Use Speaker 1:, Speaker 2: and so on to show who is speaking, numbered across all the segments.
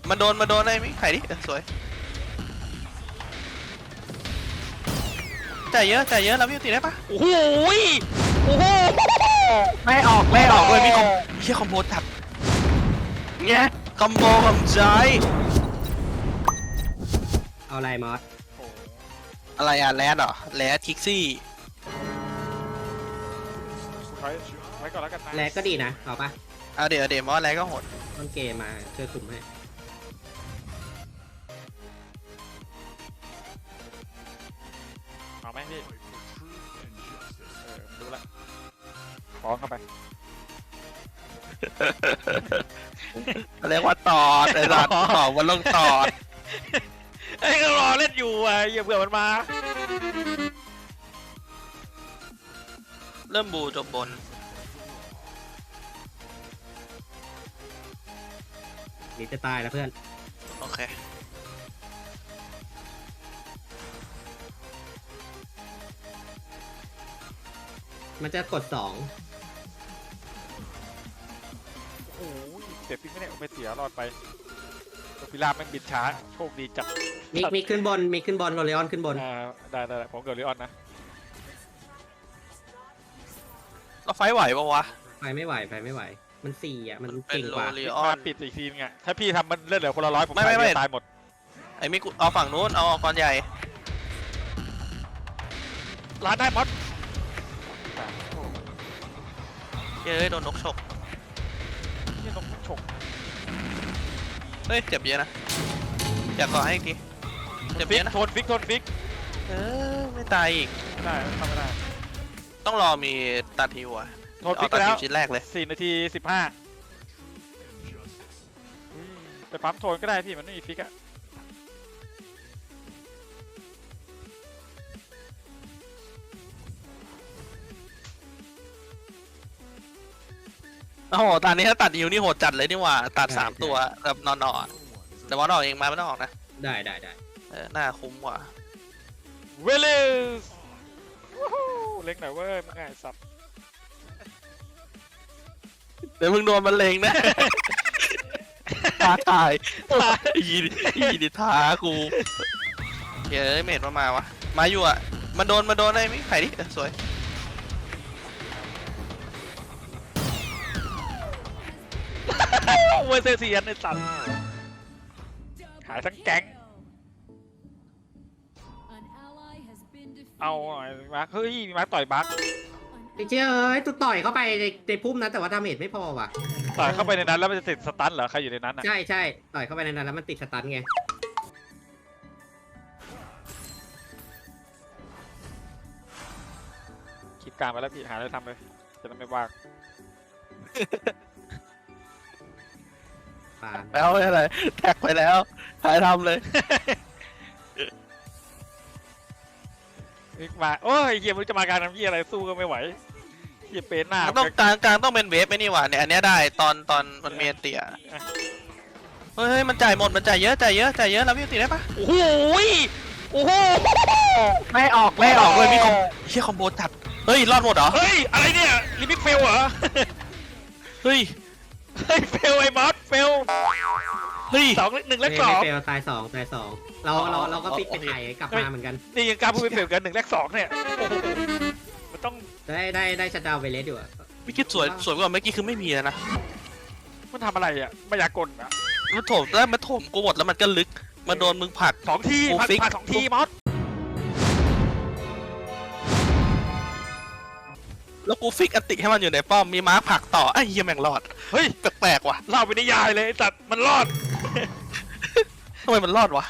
Speaker 1: มันโดนไอ้มิไข่ดิสวยจ่ายเยอะแล้วพี่ตีได้ปะโอ้โหไม่ออกเลยพี่คอมโบจัดเงี้ยคอมโบของใจ
Speaker 2: เอาอะไรมอส
Speaker 1: อะไรอ่ะแรดเหรอแรดคิกซี่
Speaker 3: ไว้ก่อนแล้วกันนะ
Speaker 2: แลกก็ดีนะเอาปะ
Speaker 1: เอาเดี๋ยวมอสแรดก็โหด
Speaker 2: ต้นเกมมาช่วยคุมให้
Speaker 3: เอาไหมพี่รู้ละฟ้องเข้าไป
Speaker 1: เรียกว่าตอดไอ้สัตว์ตอดวันลงตอด
Speaker 3: ไอ้ก็รอเล่นอยู่อ่ะอย่าเบื่อมันมา
Speaker 1: เริ่มบูจบบน
Speaker 2: นี่จะตายแล้วเพื่อน
Speaker 1: โอเค
Speaker 2: มันจะกด2
Speaker 3: โอ้ยเสียปิ๊กไม่ได้เอาไปเสียรอดไปพิราบแม่งบินช้าโชคดีจัด
Speaker 2: มีขึ้นบนโรเลออนขึ้นบน
Speaker 3: ได้ผมเกิดลิออนนะ
Speaker 1: เราไฟไหวปะวะ
Speaker 2: ไฟไม่ไหวมัน4อ่ะมัน
Speaker 1: เป็น
Speaker 2: เก่งกว่า
Speaker 1: โรเลออน
Speaker 3: มาปิดอีกทีนึงอ่ะถ้าพี่ทำมันเลือดเหลือคนละ100ผม
Speaker 1: ไม่
Speaker 3: ตายหมด
Speaker 1: ไอ้มิกเอาฝั่งนู้นเอาก้อนใหญ่
Speaker 3: ร้านได้มอส
Speaker 1: เฮ้ยโดนนกฉก
Speaker 3: นี่ต้องฉก
Speaker 1: เฮ้ยเจ็บเยอะนะอยากก่อให้อีกทีเจ็บ
Speaker 3: ฟิ
Speaker 1: เย
Speaker 3: ก
Speaker 1: อะนะ
Speaker 3: โทนฟิก
Speaker 1: ไม่ตายอีก
Speaker 3: ไม่ได้ทำไม่ได้
Speaker 1: ต้องรอมีตัดฮิวอ่ะ
Speaker 3: โทนฟิก
Speaker 1: ตัด
Speaker 3: แล้
Speaker 1: ฮิ
Speaker 3: ว
Speaker 1: วชิ้นแรกเลย
Speaker 3: 4 นาที 15ไปปั๊มโทนก็ได้พี่มันไม่มีฟิกอะ
Speaker 1: โอ้โหตอนนี้ถ้าตัดฮิวนี่โหดจัดเลยนี่หว่าตัด
Speaker 2: ใช่
Speaker 1: 3 ตัวแบบนอนๆแต่ว่าออกเองมาไม่ต้องออกนะ
Speaker 2: ได้
Speaker 1: น่าคุ้มกว่า
Speaker 3: เวลสเล็กหน่อยเว้ยมึงไงสับ
Speaker 1: เดี๋ยวมึงโดนมันเลงนะ ท้าทายอีดิท้ากูเฮ้ยเมดมาวะมาอยู่อ่ะมันโดนไอ้มิไข่ดิสวย
Speaker 3: เวอร์เซเซียนในสัตว์ขายทั้งแก๊งเอาหน่อยมาร์คเฮ้ยมีมาร์คต่อยบัค
Speaker 2: ไอ้เจ้ยเอ้ยตัวต่อยเข้าไปในพุ่มนะแต่ว่าดาเมจไม่พอว่ะ
Speaker 3: ต่อยเข้าไปในนั้นแล้วมันจะติดสตันเหรอใครอยู่ในนั้นอะ
Speaker 2: ใช่ต่อยเข้าไปในนั้นแล้วมันติดสตันไง
Speaker 3: คิดการมาแล้วพี่หาอะไรทำเลยจะได้ไม่ว่าง
Speaker 2: ปาน
Speaker 1: แล้วอะไรแท็กไปแล้วถ่ายทำเลย
Speaker 3: นี่มาโอ้ยเฮียมันจะมาการทำเฮียอะไรสู้ก็ไม่ไหวเฮียเป็นหน้า
Speaker 1: ต้องกลางต้องเป็นเวฟไหมนี่หว่าเนี่ยอันเนี้ยได้ตอนมันเมนเตียเฮ้ยมันจ่ายหมดมันจ่ายเยอะแล้วพี่ตีได้ปะโอ้โหไม่ออกเลยพี่คอมโบจัดเฮ้ยรอดหมดเหรอ
Speaker 3: เฮ้ยอะไรเนี่ยลิมิตเฟลเหรอ
Speaker 1: เฮ้ย
Speaker 3: เฟลไอ้มอสเฟล
Speaker 1: เฮ้ย
Speaker 3: 1 และ
Speaker 2: ไม่
Speaker 3: 2
Speaker 2: เฟลตาย2เราก็ปิดไปถ่ายกลับมาเหมือนกัน
Speaker 3: นี่ยังกล้าพูดเป็นเฟลกัน1 และ 2เนี่ยโอ้โหมันต้อง
Speaker 2: ได้ชัดดาวน์ไปเลสอยู่อะ
Speaker 1: พี่คิดสวยกว่าเมื่อกี้คือไม่มีแล้วนะ
Speaker 3: มันทำอะไรอ่ะมายากลอ่ะ
Speaker 1: มันโถมกูหมดแล้วมันก็ลึกมาโดนมึงผลัก
Speaker 3: 2 ที
Speaker 1: กู
Speaker 3: ผ่าน
Speaker 1: ฟิก
Speaker 3: 2 ทีมอส
Speaker 1: แล้วกูฟิกอติให้มันอยู่ในป้อมมีม้าผลักต่อไอ้เหี้ยแม่งรอด
Speaker 3: เฮ้ย
Speaker 1: แปลกๆว่ะ
Speaker 3: เล่าไปนิยายเลยไอ้สัตว์มันรอด
Speaker 1: ทำไมมันรอดวะ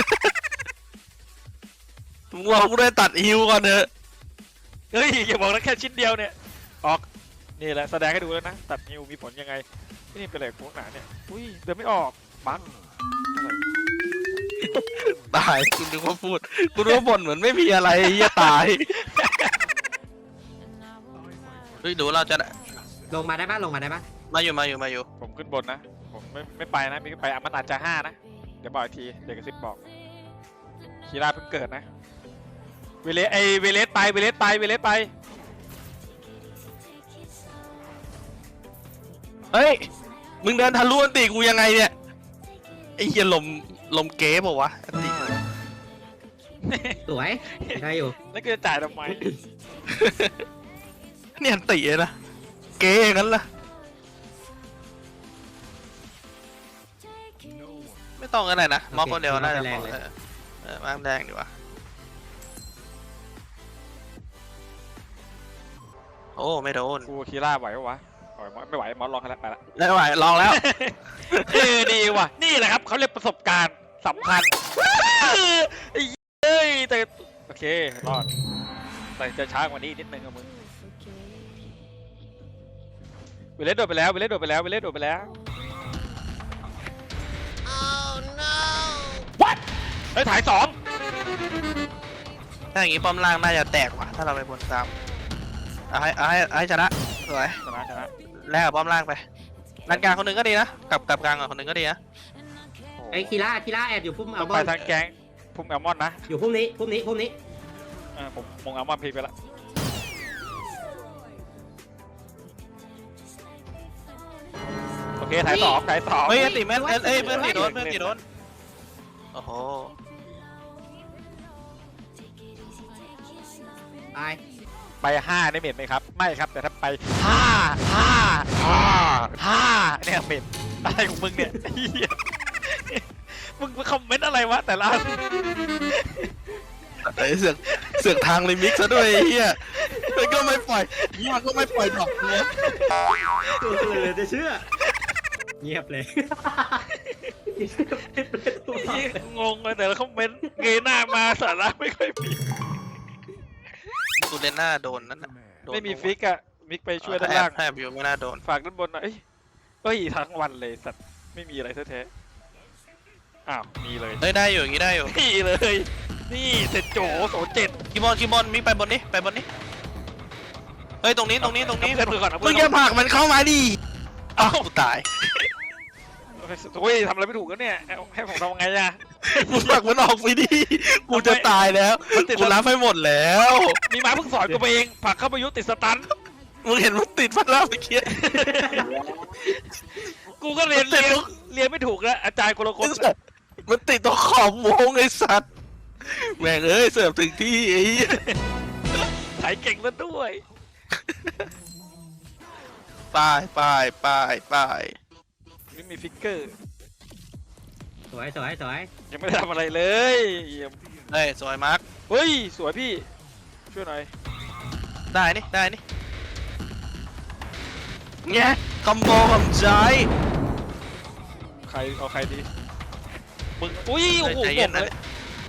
Speaker 1: มึงรอกูได้ตัดฮิวก่อนเถอะ
Speaker 3: เฮ้ยอย่าบอกนะแค่ชิ้นเดียวเนี่ยออกนี่แหละแสดงให้ดูแล้วนะตัดนิวมีผลยังไงนี่เป็นอะไรโค้งหนาเนี่ยอุ้ยเดินไม่ออกบั๊กอะไร
Speaker 1: ตายกูนึกว่าพูดกูนึกว่าบ่นเหมือนไม่มีอะไรเหี้ยตายเฮ้ยดูเราจะ
Speaker 2: ลงมาได้ปะ
Speaker 1: มาอยู่
Speaker 3: ผมขึ้นบนนะผมไม่ไปนะมีไปมันอาจจะ5นะเดี๋ยวบอกอีกทีเดี๋ยวกระซิบบอกคีราเพิ่งเกิดนะเวเลสไป
Speaker 1: เฮ้ยมึงเดินทะลุอันตีกูยังไงเนี่ยไอ้เหี้ยลมเก๊ป่าวะอันติ
Speaker 2: สวยได้อยู่
Speaker 3: แล้วก็จะจ่ายทำไม
Speaker 1: เนี่ยอันติเลยนะเก๊อย่างนั้นล่ะไม่ต้องอะไรนะมองคนเดียวน่าจะพอมาแรงดีกว่าโอ้ไม่โดน
Speaker 3: กูคีร่าไหวปะวะไหวมั้ยไม่ไหวมอสลองให้แล้วไปละ
Speaker 1: แล้วไหวลองแล้ว
Speaker 3: ดีว่ะนี่แหละครับเขาเรียกประสบการณ์สำคัญไอ้เอ้ยแต่โอเครอดแต่จะช้ากว่านี้นิดนึงอะมึงวิลเลสโดดไปแล้ววิลเลสโดดไปแล้ววิลเลสโดดไปแล้ว เฮ้ยถ่ายสอง
Speaker 1: ถ้าอย่างงี้ป้อมล่างน่าจะแตกว่ะถ้าเราไปบนซ้ำเอาให้ชนะสวย
Speaker 3: ชนะ
Speaker 1: แลกกับป้อมล่างไปด้านกลางคนหนึ่งก็ดีนะกับกลางคนหนึ่งก็ดีนะ
Speaker 2: ไอ้คีร่าแอบอยู่พุ่ม
Speaker 3: ต้
Speaker 2: อั
Speaker 3: อ
Speaker 2: ล
Speaker 3: ง
Speaker 2: บ
Speaker 3: ไป
Speaker 2: อน
Speaker 3: ทางแก๊งพุ่มแอลมอนนะ
Speaker 2: อยู่พุ่มนี้
Speaker 3: ผมมงแอลมอนพีไปละโอเคถ่ายสอง
Speaker 1: เฮ้ยอันติแม่นเอ้ยเพื่อนตีโดนโอ้โห
Speaker 2: ตาย
Speaker 3: ไป5ได้เม็ดไหมครับไม่ครับแต่ถ้าไป5เนี่ยเม็ดอะไรของมึงเนี่ยเหี้ยมึงคอมเมนต์อะไรวะแต่ละอัน
Speaker 1: ไอ้เสือกทางลิมิกซะด้วยไอ้เฮียมันก็ไม่ปล่อยมันก็ไม่ปล่อยดอกเลย
Speaker 2: เลยจะเชื่อเงียบเลย
Speaker 3: งงเลยแต่ละคอมเมนต์เงยหน้ามาสาระไม่ค่อยมี
Speaker 1: ตูเลน่าโดนนั่นน่ะโดน
Speaker 3: ไม่มีฟิกอะมิกไปช่วยด้านล่าง
Speaker 1: แอบอยู่ไม่น่าโดน
Speaker 3: ฝากด้านบนหน่อยเอ้ยทั้งวันเลยสัตว์ไม่มีอะไรแท้ๆอ้าวมีเลย
Speaker 1: เฮ้ยได้อยู่อย่างงี้ได้อยู่
Speaker 3: นี่เลยนี่เสร็จโจโสเจ็ด
Speaker 1: คีบอลมิกไปบนนี้เฮ้ยตรงนี้
Speaker 3: เพื่อนก่อนนะ
Speaker 1: มึ
Speaker 3: เพื่
Speaker 1: ง
Speaker 3: อน
Speaker 1: อย่าผลักมันเข้ามาดิอ้าวกูตาย
Speaker 3: โอ้ยทำอะไรไม่ถูกแล้วเนี่ยให้ผมทำไงอะ
Speaker 1: มึงผลักมันออกไปดิกูจะตายแล้วกูรับให้หมดแล้ว
Speaker 3: มีม้าเพิ่งสอนกูไปเองผลักเข้าไปยุติดสตัน
Speaker 1: มึงเห็นมันติดพัดแล้วเมื่อกี้
Speaker 3: กูก็เรียนไม่ถูกแล้วอาจารย์คนละคน
Speaker 1: มันติดตรงขอบวงไอ้สัตว์แม่งเอ้ยเสิร์ฟถึงที่ไอ้เหี้ย
Speaker 3: ถ่ายเก่งซะด้วย
Speaker 1: ไป
Speaker 3: นี่มีฟิกเกอร์
Speaker 2: สวย
Speaker 3: ยังไม่ได้ทำอะไรเลยเยี่ยม
Speaker 1: เฮ้ยสวยมาร์ค
Speaker 3: เฮ้ยสวยพี่ช่วยหน่อย
Speaker 1: ได้นี่เงี้ยคอมโบผมใจ
Speaker 3: ใครเอาใครดีมึงอุ้ยโอ้โห
Speaker 1: ใจ
Speaker 3: หม
Speaker 1: เย็น
Speaker 3: ด
Speaker 1: นะ
Speaker 3: เลย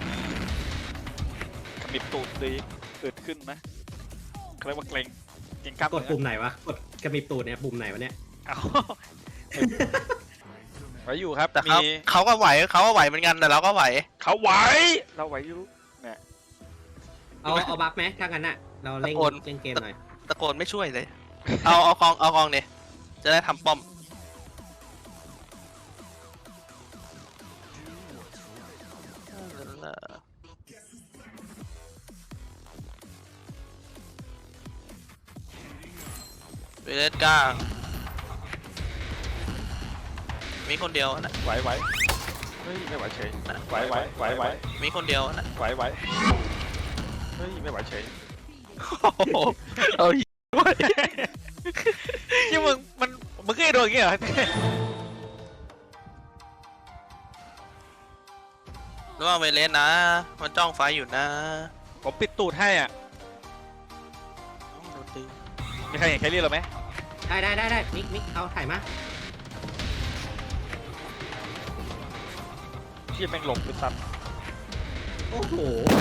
Speaker 3: ขมิบตูดดีเกิดขึ้นนะเขาเรียกว่าเกรงกล้าม
Speaker 2: กดปุ่มไหนวะกดกระมิบตูดเนี่ยปุ่มไหนวะเนี่ย
Speaker 3: เอาไว้อยู่ครับ
Speaker 1: แต่
Speaker 3: มี
Speaker 1: เขาก็ไหวเหมือนกันแต่เราก็ไหว
Speaker 3: เขาไหวเราไหวอยู่เนี่ย
Speaker 2: เอาบัฟไหมถ้างั้นน่ะเราเล่น
Speaker 1: ตะโกน
Speaker 2: เกมหน่อย
Speaker 1: ตะโกนไม่ช่วยเลย เอากองเนี่ยจะได้ทำป้อมไปเล่นกลางมีคนเดียวนะ
Speaker 3: ไหวเฮ้ยไม่ไหวเฉยไหว
Speaker 1: มีคนเดียวนะ
Speaker 3: ไหวเฮ้ยไม่ไหวเฉย
Speaker 1: โอ้โหเอาอีกด้วย
Speaker 3: ที่มึงเคยโดนอย่างเงี้ยเหรอ
Speaker 1: ระวังไปเล่นนะ มันจ้องไฟอยู่นะ
Speaker 3: ผมปิดตูดให้อ่ะมีใครเห็นแคลรี่เราไหม
Speaker 2: ได้มิกเอาถ่ายมา
Speaker 3: ที่แม่งหลงไปซัด
Speaker 2: โอ้โห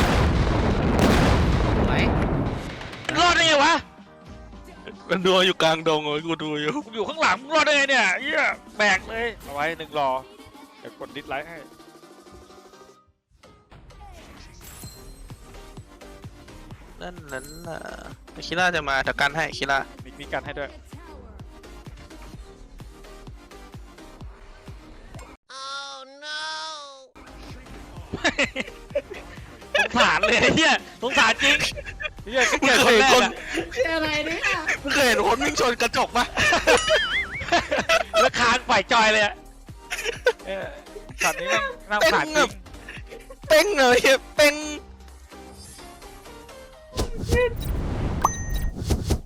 Speaker 2: สวย
Speaker 3: รอดได้ไงวะ
Speaker 1: มันดูอยู่กลางดงเลยกูดูอยู่
Speaker 3: กูอยู่ข้างหลังมึงรอดได้ไงเนี่ยเหี้ยแบกเลยเอาไว้1รอเดี๋ยวกดดิสไลค์ให้
Speaker 1: นั่นน่ะคิล่าจะมาจัดการให้คิล่า
Speaker 3: มีกันให้ด้วยสงสารเลยเฮียสงสารจริงเฮีย
Speaker 1: มึงเคยเห็นคน
Speaker 2: อะไรเนี่ย
Speaker 1: มึงเคยเห็นคนวิ่งชนกระจกปะ
Speaker 3: แล้วคางฝ่ายจอยเลยอะช็อตนี้แม่งน่า
Speaker 1: เต้น
Speaker 3: ผ่านจ
Speaker 1: แบ
Speaker 3: ริ
Speaker 1: บ
Speaker 3: ง
Speaker 1: เป้งเลยเป้ง